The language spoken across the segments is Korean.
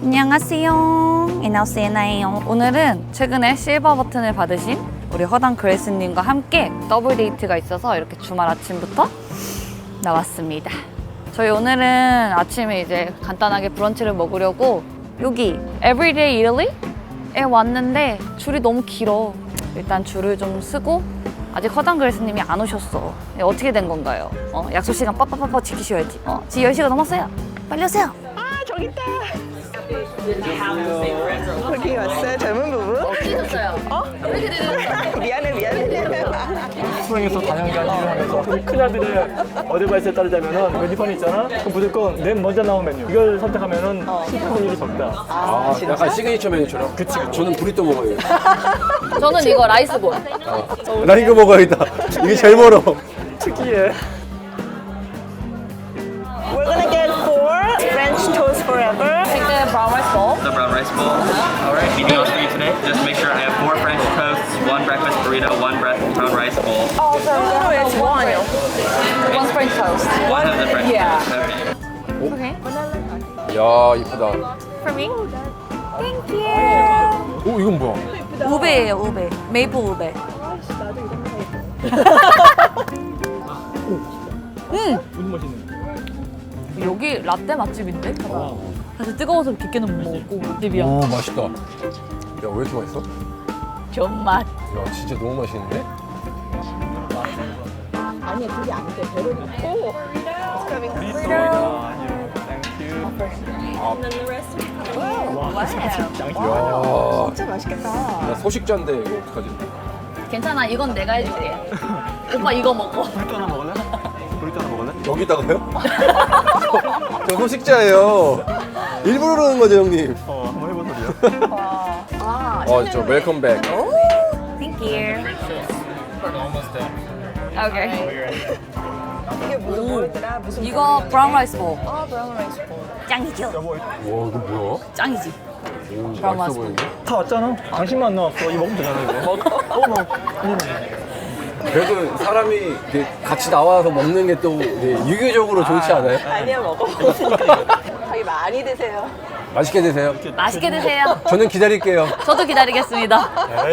안녕하세요. 이나우스예나예요. 오늘은 최근에 실버 버튼을 받으신 우리 허당 그레이스님과 함께 더블 데이트가 있어서 이렇게 주말 아침부터 나왔습니다. 저희 오늘은 아침에 이제 간단하게 브런치를 먹으려고 여기 Everyday Italy에 왔는데 줄이 너무 길어. 일단 줄을 좀 쓰고 아직 허당 그레이스님이 안 오셨어. 어떻게 된 건가요? 약속 시간 빠빠빠빠 지키셔야지. 지금 10시가 넘었어요. 빨리 오세요. 저기 있다. 어디 왔어요? 젊은 부부? 늦었어요. 왜 이렇게 늦었어요? 미안해. 수행에서 다양한 일을 하면서 우리 큰아들의 어드바이스에 따르자면은 메뉴판이 있잖아? 그럼 무조건 맨 먼저 나온 메뉴 이걸 선택하면은 실패율이 적다. 아, 약간 시그니처 메뉴처럼? 그치. 저는 브리또 먹어요. 저는 이거 라이스볼. 나 이거 먹어야겠다. 이게 제일 멀어. 특이해. We're gonna get 4 French toast forever. Take the brown rice bowl. The brown rice bowl. All right. Anything else for you today? Just make sure I have 4 French toasts, 1 breakfast burrito, 1 brown rice bowl. Oh, it's one. One French toast. One of the French Yeah. toast. Okay. Okay. 이야, 이쁘다. For me. Thank you. 오, 이건 뭐야? 우베예요, 우베. 메이플 우베. 무슨 맛있네. 여기 라떼 맛집인데? 사실 뜨거워서 깊게는 못 먹었고 맛집이야. 오, 맛있다. 야, 왜 이렇게 맛있어? 존맛. 야, 진짜 너무 맛있는데? 이야, 진짜 맛있겠다. 나 소식자인데 이거 어떡하지? 괜찮아, 이건 내가 해줄게. 오빠 이거 먹어. 브리또 하나 먹을래? 브리또 하나 먹을래? 여기다가요? 저 소식자예요. 일부러 그러는 거죠, 형님? 한번 해보세요. 저 웰컴백. Thank you. Okay. 이게 뭐더라? 무슨 이거 브라운 라이스 볼. 브라운 라이스 볼. 짱이죠? 와, 이거 뭐야? 짱이지. 오, 브라운 맛있어 맛. 보이는데? 다 왔잖아. 당신만 안 나왔어. 이거 먹으면 되잖아, 이거. 먹어. 그래도 사람이 이렇게 같이 나와서 먹는 게 또 유교적으로 좋지 않아요? 아니야, 먹어. 자기 많이 드세요. 맛있게 드세요. 맛있게 드세요. 저는 기다릴게요. 저도 기다리겠습니다.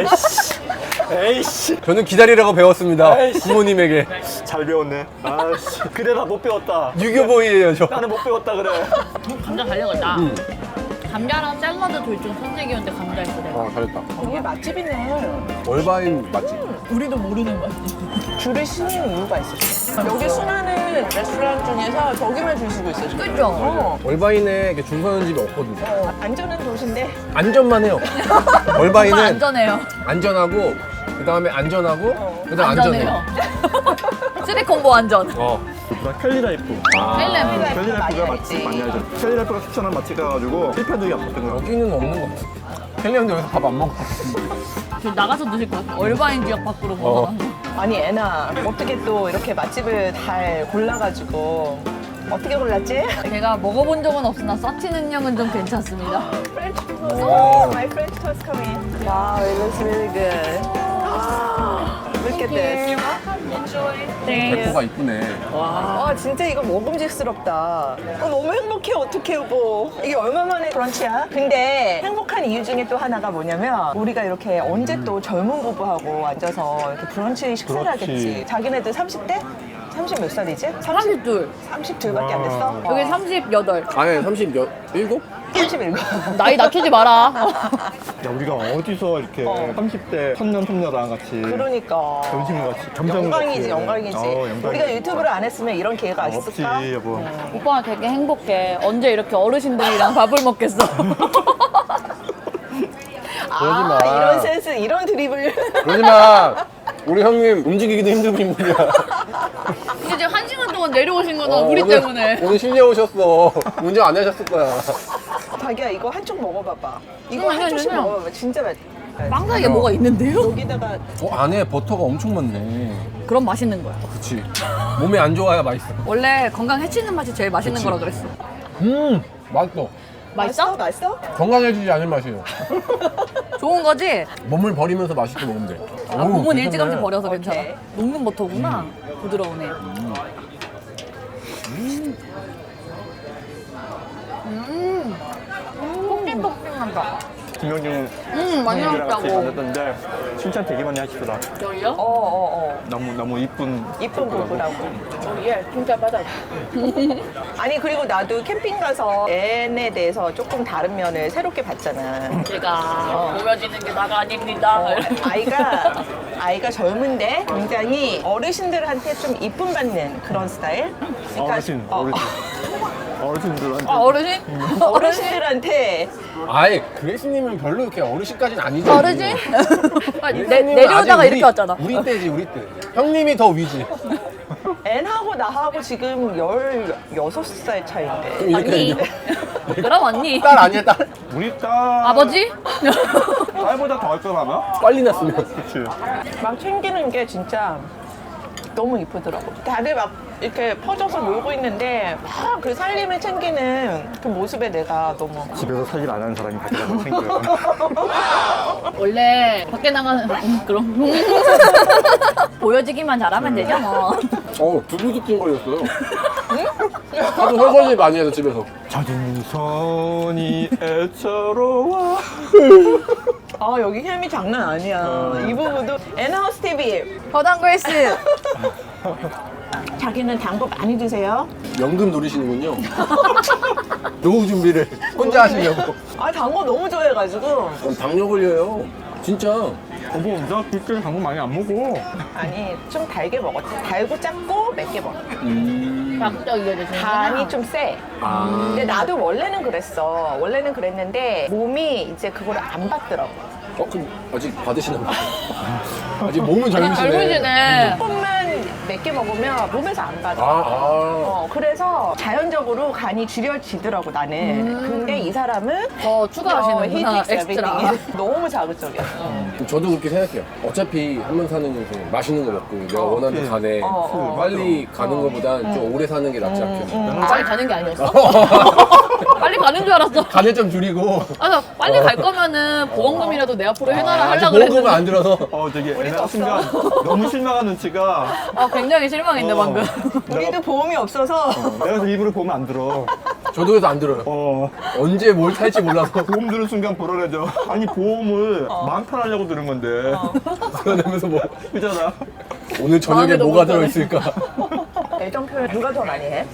에이씨. 저는 기다리라고 배웠습니다. 부모님에게. 잘 배웠네. 아씨. 그래, 나 못 배웠다. 유교보이예요, 저. 나는 못 배웠다, 그래. 감자 달려갔다. 감자랑 샐러드 둘 중 선택이었는데 감자 있어 내가. 아, 잘했다. 이게 맛집이네. 월바인 맛집. 우리도 모르는 맛집. 줄을 쓰는 이유가 있었어. 여기 수많은 레스토랑 중에서 저기만 줄 서고 있어. 그죠? 월바인에 이렇게 줄 서는 집이 없거든요. 안전한 도시인데 안전만 해요. 정말 월바인은 안전해요. 안전하고, 그 다음에 안전하고, 그 다음에 안전해요. 안전해요. 쓰리콤보 안전. 나 캘리라이프. 헬렘. 캘리라이프가 맛집 많이 알죠. 캘리라이프가 추천한 맛집 가가지고 실패한 적이 없었던 거야. 여기는 없는 것 같아. 헬리언도 여기서 밥 안 먹고. 저 나가서 드실 것 같아. 얼바인 지역 밖으로 뭐. 아니 애나 어떻게 또 이렇게 맛집을 잘 골라가지고 어떻게 골랐지? 제가 먹어본 적은 없으나 서치 능력은 좀 괜찮습니다. French toast. Oh, my French toast coming. Wow, it looks really good. Look at this. 백호가 이쁘네. 와, 진짜 이거 먹음직스럽다. 너무 행복해, 어떡해, 여보. 이게 얼마 만에 브런치야? 근데 행복한 이유 중에 또 하나가 뭐냐면 우리가 이렇게 언제 또 젊은 부부하고 앉아서 이렇게 브런치 식사를 그렇지. 하겠지. 자기네들 30대? 30 몇 살이지? 32. 32밖에 안 됐어? 여기 38. 아니, 37? 37. 나이 낮추지 마라. 야, 우리가 어디서 이렇게 30대 선녀랑 같이 그러니까. 점심을 같이 점심을 영광이지, 같이. 영광이지. 영광이지. 우리가 유튜브를 안 했으면 이런 기회가 없지, 있을까? 여보. 오빠가 되게 행복해. 언제 이렇게 어르신들이랑 밥을 먹겠어. 그러지 마. 이런 센스, 이런 드립을. 그러지 마. 우리 형님 움직이기도 힘든 인물이야. 근데 지금 1시간 동안 내려오신 거는 우리 때문에. 오늘 실려 오셨어. 운전 안 하셨을 거야. 자기야, 이거 한쪽 먹어봐봐. 이거 아니, 한쪽씩 아니, 아니. 먹어봐봐. 진짜 맛. 빵 사이에 뭐가 있는데요? 여기다가 안에 버터가 엄청 많네. 그럼 맛있는 거야. 그치. 몸에 안 좋아야 맛있어. 원래 건강 해치는 맛이 제일 맛있는 그치. 거라 그랬어. 맛있어. 맛있어? 맛있어? 건강해지지 않을 맛이에요. 좋은 거지? 몸을 버리면서 맛있게 먹으면 돼. 아, 몸은 일찌감치 괜찮네. 버려서 괜찮아. 녹는 버터구나. 부드러우네. 김영중 많이 형님이랑 같이 나왔다고. 만났던데 칭찬 되게 많이 하시더라. 여기요? 너무 이쁜 이쁜 부부라고. 예, 진짜 맞아. 아니 그리고 나도 캠핑 가서 앤에 대해서 조금 다른 면을 새롭게 봤잖아. 제가 보여지는 게 나가 아닙니다. 아이가 젊은데 굉장히 어르신들한테 좀 이쁨 받는 그런 스타일. 그러니까 어르신들한테 어르신? 어르신들한테 아예 그레이스님은 별로 이렇게 어르신까지는 아니죠. 어르신? 그레이스님은 내려오다가 아직 이렇게 왔잖아. 우리 때지 우리 때. 형님이 더 위지. 앤하고 나하고 지금 16살 차이인데. 좀 이렇게 언니. 그럼 언니. 딸 아니야 딸? 우리 딸 아버지? 딸보다 더 할 걸 아마? 빨리 났으면. 그치. 막 챙기는 게 진짜 너무 이쁘더라고. 다들 막 이렇게 퍼져서 놀고 있는데 막 그 살림을 챙기는 그 모습에 내가 너무 집에서 살일 안 하는 사람이 가져가서 챙겨요. 원래 밖에 나가는 그럼 보여지기만 잘하면 되죠 뭐. 두부두부 걸렸어요. 하도 설거지 많이 해서 집에서. 젖은 손이 애처로워. 여기 햄이 장난 아니야. 이 부분도 앤하우스 TV 허당 그레이스. 자기는 단 거 많이 드세요? 연금 노리시는군요. 노후 준비를 혼자 하시려고. 단 거 너무 좋아해가지고 당뇨 걸려요. 진짜. 뭐, 나 그때 당근 많이 안 먹어. 아니 좀 달게 먹었지. 달고 짭고 맵게 먹어. 자극적이게 드시는 간이 좀 세. 근데 나도 원래는 그랬어. 원래는 그랬는데 몸이 이제 그거를 안 받더라고. 그럼 아직 받으시나 봐요. 아직 몸은 젊으시네. 젊으시네. 조금만 맵게 먹으면 몸에서 안 받아. 그래서 자연적으로 간이 줄여지더라고 나는. 근데 이 사람은 더 추가하시는구나 he takes 엑스트라. everything. 너무 자극적이었어. 저도 그렇게 생각해요. 어차피 한 번 사는 인생 맛있는 거 먹고 내가 원하는 간에 빨리 가는 것보단 좀 오래 사는 게 낫지 않겠어. 빨리 가는 게 아니었어? 빨리 가는 줄 알았어. 간을 좀 줄이고. 나 빨리 갈 거면은 보험금이라도 내 앞으로 해놔라 아직 하려고 보험금은 그랬는데. 안 들어서. 되게 애나 순간 너무 실망한 눈치가 굉장히 실망인데 방금. 우리도 보험이 없어서 내가 일부러 보면 안 들어. 저도 그래서 안 들어요. 언제 뭘 살지 몰라서. 보험 들은 순간 불안해져. 아니 보험을 마음 편하려고 들은 건데. 그러면서 뭐 그잖아. 오늘 저녁에 마음에 뭐가 너무 들어있을까. 애정 표현 누가 더 많이 해?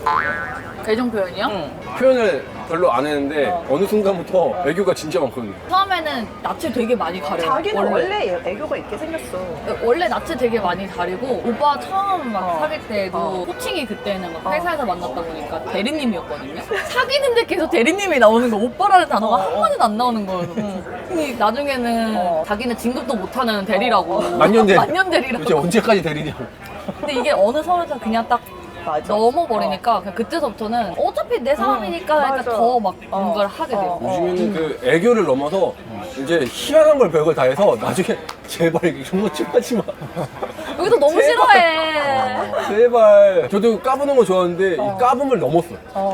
애정 표현이요? 표현을 별로 안 했는데 어느 순간부터 애교가 진짜 많거든요. 처음에는 낯을 되게 많이 가려요. 자기는 원래 애교가 있게 생겼어. 원래 낯을 되게 많이 가리고 오빠 처음 막 사귈 때도 호칭이 그때는 막 회사에서 만났다 보니까 대리님이었거든요. 사귀는데 계속 대리님이 나오는 거 오빠라는 단어가 한 번은 안 나오는 거예요. 근데 나중에는 자기는 진급도 못하는 대리라고. 만년대. 만년대리라고. 도대체 언제까지 대리냐고. 근데 이게 어느 선에서 그냥 딱 맞아. 넘어버리니까 그냥 그때서부터는 어차피 내 사람이니까 그러니까 맞아. 더 막 뭔가를 하게 돼요. 요즘에는 그 애교를 넘어서 이제 희한한 걸 별걸 다 해서 나중에 제발 이게 정말 칭하지 마. 여기도 너무 싫어해. 제발. 저도 까부는 거 좋아하는데 이 까붐을 넘었어요.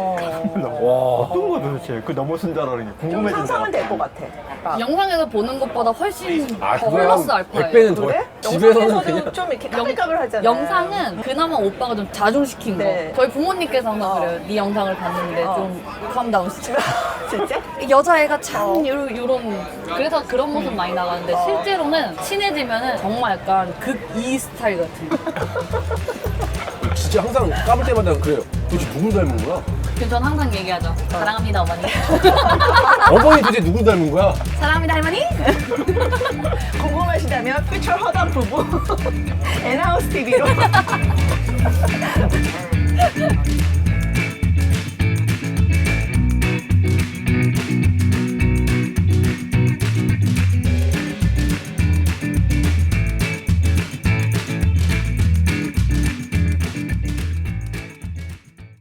와. 어떤 거 도대체 그 넘어선 줄 알았더니 좀 궁금해진다. 상상은 될 것 같아. 영상에서 보는 것보다 훨씬 더 그거야 플러스 알파예요. 100배는 더. 그래? 집에서는 영상에서도 그냥 좀 이렇게 까불까불 하잖아. 영상은 그나마 오빠가 좀 자중시킨 네. 거. 저희 부모님께서는 그래요. 네 영상을 봤는데 좀 캄다운 시켜. 진짜? 여자애가 참 요런 그래서 그런 모습 많이 나가는데 실제로는 친해지면은 정말 약간 극2 스타일 같은. 진짜 항상 까불 때마다 그래요. 도대체 누굴 닮은 거야? 그래서 전 항상 얘기하죠. 사랑합니다 어머니. 어머니 도대체 누굴 닮은 거야? 사랑합니다 할머니. 궁금하시다면 퓨처 허당 부부 앤하우스 TV로